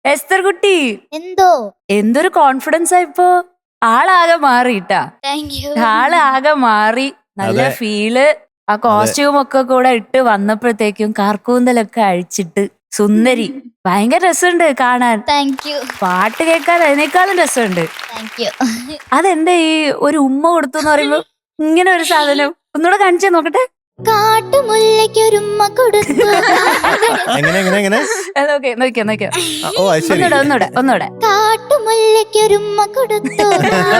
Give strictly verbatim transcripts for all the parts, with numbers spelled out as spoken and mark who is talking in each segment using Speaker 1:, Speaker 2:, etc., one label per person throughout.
Speaker 1: എസ്തർ കുട്ടി,
Speaker 2: എന്തോ
Speaker 1: എന്തൊരു കോൺഫിഡൻസ് ആയിപ്പോ. ആളാകെ മാറിട്ടാ,
Speaker 2: താങ്ക് യു.
Speaker 1: ആളാകെ മാറി. നല്ല
Speaker 3: അതെ.
Speaker 1: ഫീല്. ആ കോസ്റ്റ്യൂം ഒക്കെ കൂടെ ഇട്ട് വന്നപ്പോഴത്തേക്കും കാർക്കൂന്തലൊക്കെ അഴിച്ചിട്ട് സുന്ദരി. ഭയങ്കര രസമുണ്ട് കാണാൻ.
Speaker 2: താങ്ക് യു
Speaker 1: പാട്ട് കേൾക്കാൻ അതിനേക്കാളും രസമുണ്ട്.
Speaker 2: Thank you.
Speaker 1: അതെന്താ ഈ ഒരു ഉമ്മ കൊടുത്തു എന്ന് പറയുമ്പോ ഇങ്ങനെ ഒരു സാധനം ഒന്നുകൂടെ കാണിച്ചേ നോക്കട്ടെ.
Speaker 2: കാട്ടുമുല്ലയ്ക്കൊരുമ്മ കൊടുത്തു.
Speaker 3: എങ്ങനെ എങ്ങനെ എങ്ങനെ
Speaker 1: നോക്കിയോ നോക്കിയോ നോക്കിയോ.
Speaker 3: ആ, ഓ അത് ശരി.
Speaker 1: ഒന്നൂടെ ഒന്നൂടെ ഒന്നൂടെ.
Speaker 2: കാട്ടുമുല്ലയ്ക്കൊരുമ്മ കൊടുത്തു.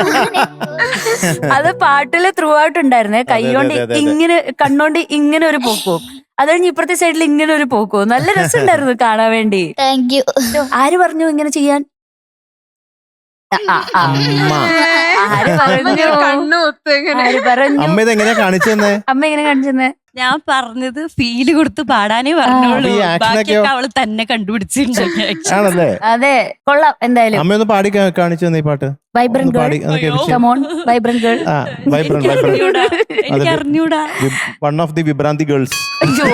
Speaker 1: അത് പാട്ടില് ത്രൂ ഔട്ട് ഉണ്ടായിരുന്നേ. കൈകൊണ്ട്
Speaker 3: അതെ, അതെ, അതെ.
Speaker 1: ഇങ്ങനെ കണ്ണോണ്ട് ഇങ്ങനെ ഒരു പോക്കും, അത് കഴിഞ്ഞ് ഇപ്പുറത്തെ സൈഡിൽ ഇങ്ങനെ ഒരു പോക്കും. നല്ല രസമുണ്ടായിരുന്നു കാണാൻ വേണ്ടി.
Speaker 2: Thank you.
Speaker 1: ആര് പറഞ്ഞു ഇങ്ങനെ ചെയ്യാൻ? ആ, ആ, ആ.
Speaker 3: അമ്മ
Speaker 1: ആര് പറഞ്ഞു? ആര് പറഞ്ഞു?
Speaker 3: അമ്മ ഇത് എങ്ങനെയാ കാണിച്ചു തന്നെ?
Speaker 1: അമ്മ എങ്ങനെ കാണിച്ചെന്നേ?
Speaker 4: ഞാൻ പറഞ്ഞത് ഫീല് കൊടുത്ത് പാടാനേ പറഞ്ഞോളൂ.
Speaker 3: ഈ action ഒക്കെയോ?
Speaker 4: ബാക്കിയൊക്കെ അവള് തന്നെ കണ്ടുപിടിച്ചിട്ടുണ്ട്.
Speaker 3: ആണല്ലേ?
Speaker 1: അതെ, കൊള്ളാം. എന്തായാലും
Speaker 3: അമ്മ ഒന്ന് പാടി കാ- കാണിച്ചു തന്നെ ഈ പാട്ട്.
Speaker 1: വൈബ്രന്റ്
Speaker 3: ഒന്ന് പാടി
Speaker 1: ഗേൾ,
Speaker 3: ഒന്ന് കേൾപ്പിച്ച്.
Speaker 1: Come on vibrant girl.
Speaker 3: ആ വൈബ്രന്റ്
Speaker 4: അറിഞ്ഞൂടാ,
Speaker 3: വൈബ്രന്റ്
Speaker 4: എനിക്ക് അറിഞ്ഞൂടാ.
Speaker 3: വൺ ഓഫ് ദി വിഭ്രാന്തി ഗേൾസ്.
Speaker 1: അയ്യോ,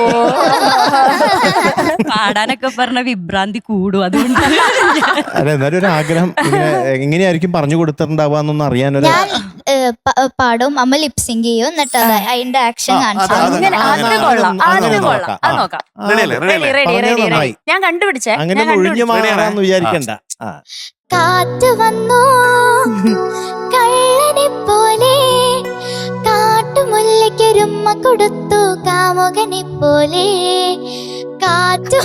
Speaker 4: പാടാനൊക്കെ പറഞ്ഞ വിഭ്രാന്തി കൂടും, അതുകൊണ്ട്
Speaker 3: അല്ല എന്നാലും ഒരു ആഗ്രഹം ഇങ്ങനെ എങ്ങനെയായിരിക്കും പറഞ്ഞു കൊടുത്തിട്ടുണ്ടാവാന്നൊന്നും അറിയാനൊരു
Speaker 2: ഞാൻ ഏ, പ- പാടും, അമ്മ ലിപ്സിങ് ചെയ്യും, എന്നിട്ട് അത് അതിന്റെ ആക്ഷൻ കാണിച്ചു.
Speaker 1: അങ്ങനെ
Speaker 3: ആ,
Speaker 1: അത്
Speaker 3: ആ,
Speaker 1: കൊള്ളാം,
Speaker 3: അങ്ങനെ
Speaker 1: അത്
Speaker 3: അങ്ങനെ
Speaker 1: കൊള്ളാം,
Speaker 3: നോക്കാം.
Speaker 1: അത്
Speaker 3: ആ.
Speaker 1: നോക്കാം.
Speaker 5: റെഡിയല്ലേ
Speaker 1: റെഡി
Speaker 5: റെഡിയല്ലേ
Speaker 1: റെഡി
Speaker 3: പറഞ്ഞത്
Speaker 1: റെഡി റെഡി.
Speaker 3: നന്നായി.
Speaker 1: ഞാൻ കണ്ടുപിടിച്ചേ,
Speaker 3: അങ്ങനെ
Speaker 1: ഞാൻ
Speaker 3: ഒഴിഞ്ഞു
Speaker 1: കണ്ടുപിടിച്ചു.
Speaker 3: മാറാന്ന് വിചാരിക്കണ്ട. ആ.
Speaker 2: കാറ്റ് വന്നു കള്ളനെ പോലെ, കാട്ടുമുല്ലയ്ക്കൊരുമ്മ കൊടുത്തു കാമുകനെ പോലെ. കാറ്റു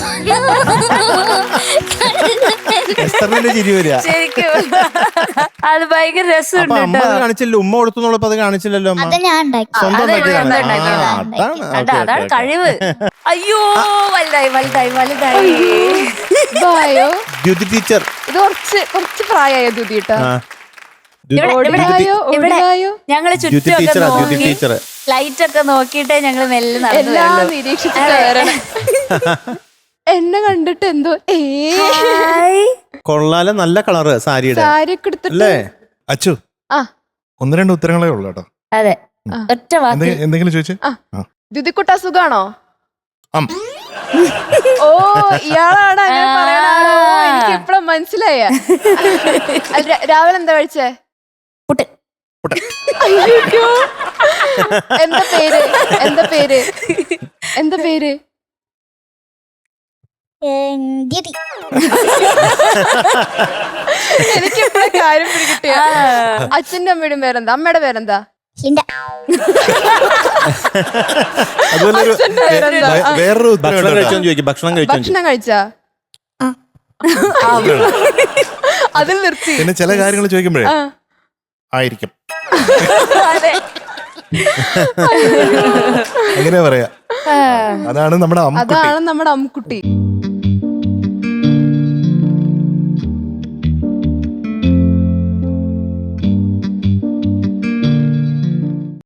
Speaker 3: എസ്തറിന്റെ ചിരി വരിക.
Speaker 1: ശരിക്കും അത് ഭയങ്കര
Speaker 3: അപ്പൊ
Speaker 1: രസമുണ്ട്
Speaker 3: അമ്മ അത് കാണിച്ചില്ല, ഉമ്മ കൊടുത്തുന്നുള്ളപ്പോ അത് കാണിച്ചില്ലല്ലോ അമ്മ.
Speaker 2: അത് ഞാൻ ഉണ്ടാക്കി.
Speaker 3: സ്വന്തം
Speaker 1: അത്
Speaker 3: ഉണ്ടാക്കിയതാണ്.
Speaker 1: സ്വന്തം ഉണ്ടാക്കിയതാണ്.
Speaker 3: ആ, അതാണ്.
Speaker 1: അതാ
Speaker 3: ഓക്കേ,
Speaker 1: അതാണ്
Speaker 3: ഓക്കേ,
Speaker 1: കഴിവ്. അയ്യോ, വലുതായി വലുതായി വലുതായി.
Speaker 6: ബായോ
Speaker 3: ദ്യുതി ടീച്ചർ.
Speaker 6: ഇത് കുറച്ച് കുറച്ച് പ്രായമായ ദുതി കേട്ടോ.
Speaker 3: ആ. ദ്യുതി-
Speaker 1: ഇവിടെ- ഇവിടെ-
Speaker 3: ദ്യുതി-
Speaker 6: ഓടിവായോ
Speaker 1: ഇവിടെ
Speaker 6: ഓടിവായോ
Speaker 1: ഞങ്ങള്
Speaker 3: ദ്യുതി
Speaker 1: ചുറ്റൊക്കെ
Speaker 3: ടീച്ചറാ, ദ്യുതി
Speaker 1: നോക്കി
Speaker 3: ടീച്ചർ.
Speaker 1: ലൈറ്റ് ഒക്കെ നോക്കിയിട്ടേ ഞങ്ങള് മെല്ലെ നടന്നു
Speaker 6: എല്ലാം
Speaker 1: വരുള്ളൂ.
Speaker 6: നിരീക്ഷിച്ചിട്ട് വരണം. എന്നെ കണ്ടിട്ട് എന്തോ ഏ
Speaker 1: ഹായ്.
Speaker 3: കൊള്ളാലെ, നല്ല കളറ് സാരിയുടെ
Speaker 6: സാരി ഒക്കെ എടുത്തിട്ട്
Speaker 3: അല്ലേ?
Speaker 5: അച്ചു
Speaker 6: ആ
Speaker 5: ഒന്ന് രണ്ട് ഉത്തരങ്ങളേ ഉള്ളു കേട്ടോ.
Speaker 1: അതെ,
Speaker 6: ആ.
Speaker 1: ഒറ്റ വാക്ക്.
Speaker 5: എന്തെ- എന്തെങ്കിലും ചോദിച്ചേ.
Speaker 6: ദുതിക്കുട്ട സുഖാണോ?
Speaker 5: അം.
Speaker 6: ഓ ഇയാളാണ് അങ്ങനെ പറയണ ആളോ? എനിക്ക് ഇപ്പഴും മനസ്സിലായ. അല്ല, രാ- രാവിലെ എന്താ കഴിച്ചേ?
Speaker 1: പുട്ട്.
Speaker 6: അയ്യോ. എന്താ പേര്? എന്താ പേര്? എന്താ പേര്?
Speaker 2: ദ്യുതി.
Speaker 6: എനിക്ക് ഇപ്പഴും കാര്യം പിടികിട്ടിയ. അച്ഛന്റെ അമ്മയുടെയും പേരെന്താ? അമ്മയുടെ പേരെന്താ?
Speaker 2: ഹിൻഡ.
Speaker 3: അതുപോലെ ഒരു
Speaker 6: അച്ഛന്റെ പേരെന്താ?
Speaker 5: വേ-
Speaker 6: ആ.
Speaker 5: വേറൊരു ഉത്തരം
Speaker 3: ഭക്ഷണം
Speaker 5: ഉണ്ട് കേട്ടോ.
Speaker 3: കഴിച്ചോന്ന് ചോദിക്കും. ഭക്ഷണം കഴിച്ചോ
Speaker 6: ഭക്ഷണം കഴിച്ചാ? അതിൽ നിർത്തി.
Speaker 5: പിന്നെ ചില കാര്യങ്ങൾ ചോദിക്കുമ്പോഴേ
Speaker 6: ആ.
Speaker 5: ആയിരിക്കും
Speaker 1: അതെ.
Speaker 5: എങ്ങനെ പറയാ. അതാണ് നമ്മുടെ അമ്മ.
Speaker 6: അതാണ് നമ്മുടെ അമ്മുക്കുട്ടി.